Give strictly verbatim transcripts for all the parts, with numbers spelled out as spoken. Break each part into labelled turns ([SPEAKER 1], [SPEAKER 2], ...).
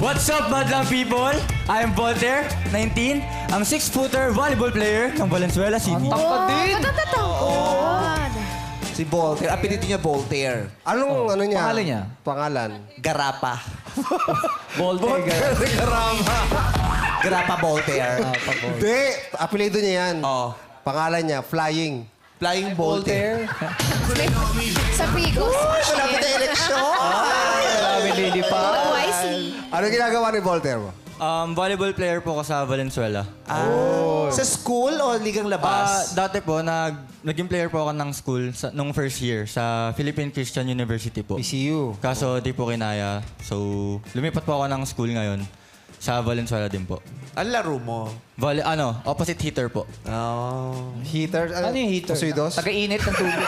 [SPEAKER 1] What's up, madlang people? I'm Voltaire, nineteen, ang six-footer volleyball player ng Valenzuela City.
[SPEAKER 2] Tangkad din.
[SPEAKER 3] Matatangkad.
[SPEAKER 2] Si Voltaire. Apelido niya Voltaire.
[SPEAKER 4] Anong ano niya?
[SPEAKER 1] Pangalan niya?
[SPEAKER 4] Pangalan.
[SPEAKER 2] Garapa.
[SPEAKER 1] Voltaire.
[SPEAKER 4] Karama.
[SPEAKER 2] Garapa Voltaire.
[SPEAKER 4] Hindi. Apelido niya yan.
[SPEAKER 2] Oh.
[SPEAKER 4] Pangalan niya, Flying.
[SPEAKER 2] Flying Voltaire.
[SPEAKER 3] Sa Pigos.
[SPEAKER 2] Malapit na eleksyon.
[SPEAKER 1] Grabe, lady pa.
[SPEAKER 3] Vote wisely.
[SPEAKER 4] Ano ginagawa ni Voltaire mo?
[SPEAKER 1] Um, volleyball player po ko sa Valenzuela.
[SPEAKER 2] Ah, Sa school o ligang
[SPEAKER 1] Ah,
[SPEAKER 2] labas?
[SPEAKER 1] dati po, nag, naging player po ako ng school sa, nung first year sa Philippine Christian University po.
[SPEAKER 4] P C U.
[SPEAKER 1] Kaso di po kinaya. So, lumipat po ako ng school ngayon sa Valenzuela din po.
[SPEAKER 2] Ang laro mo?
[SPEAKER 1] Volley, ano, opposite hitter po.
[SPEAKER 2] Oh.
[SPEAKER 4] Heater?
[SPEAKER 5] Ano yung heater?
[SPEAKER 4] Pusuidos?
[SPEAKER 5] Taga-init ng tubig.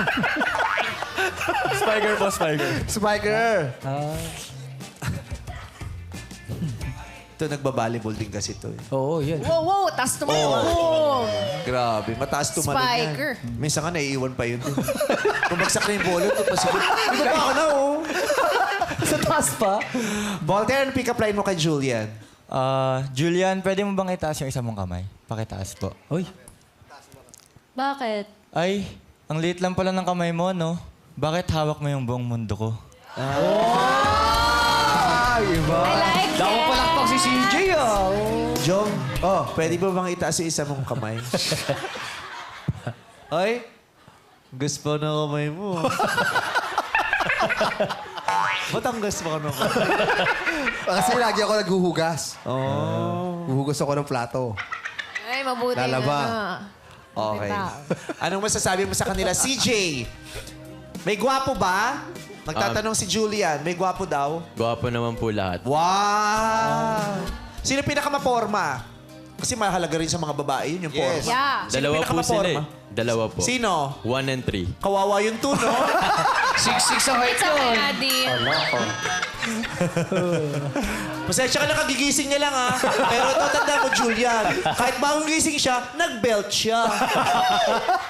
[SPEAKER 1] Spiker po, spiker.
[SPEAKER 4] Spiker.
[SPEAKER 2] Ito, nagbabalibol din kasi ito. Eh.
[SPEAKER 5] Oo, yan.
[SPEAKER 3] Wow, wow. Tas tumayo. Oh.
[SPEAKER 2] Grabe, mataas tumalon yan.
[SPEAKER 3] Spiker.
[SPEAKER 2] Minsan nga naiiwan pa yun. Bumagsak na yung bolo, ito pa siguro. Ito pa ako na, oh.
[SPEAKER 5] Sa taas pa?
[SPEAKER 2] Voltaire, ano pick-up line mo kay Julian?
[SPEAKER 1] Ah, Julian, pwede mo bang itaas yung isa mong kamay? Pakitaas po.
[SPEAKER 5] Uy.
[SPEAKER 3] Bakit?
[SPEAKER 1] Ay, ang liit lang pala ng kamay mo, no? Bakit hawak mo yung buong mundo ko?
[SPEAKER 4] Ah, iba.
[SPEAKER 3] I like
[SPEAKER 5] Dako
[SPEAKER 3] it.
[SPEAKER 5] palakpak si C J, ah.
[SPEAKER 2] Jong, oh, pwede ba bang itaas yung isa mong kamay? Ay, gusto na kamay mo. Ba't ang gusto ka nung kamay?
[SPEAKER 4] Kasi lagi ako naghuhugas.
[SPEAKER 2] Oh.
[SPEAKER 4] Huhugas ako ng plato.
[SPEAKER 3] Ay, mabuti
[SPEAKER 4] Lalaba.
[SPEAKER 3] na.
[SPEAKER 2] Okay.
[SPEAKER 3] Diba?
[SPEAKER 2] Anong masasabi mo sa kanila? C J, may gwapo ba? Nagtatanong si Julian, may gwapo daw?
[SPEAKER 6] Gwapo naman po lahat.
[SPEAKER 2] Wow! Sino pinakamaporma? Kasi mahalaga rin sa mga babae yun, yung
[SPEAKER 4] Yes.
[SPEAKER 2] porma.
[SPEAKER 3] Yeah.
[SPEAKER 2] Sino
[SPEAKER 6] Dalawa po
[SPEAKER 2] pinakamaporma?
[SPEAKER 6] sila eh. Dalawa po.
[SPEAKER 2] Sino?
[SPEAKER 6] One and three.
[SPEAKER 2] Kawawa yung two, no?
[SPEAKER 5] Six-six ang height
[SPEAKER 3] It's okay,
[SPEAKER 5] yun.
[SPEAKER 3] Adi.
[SPEAKER 2] Pasensya ka lang, kagigising niya lang, ha? Pero ito, tanda mo, Julian. Kahit bagong gising siya, nag-belt siya.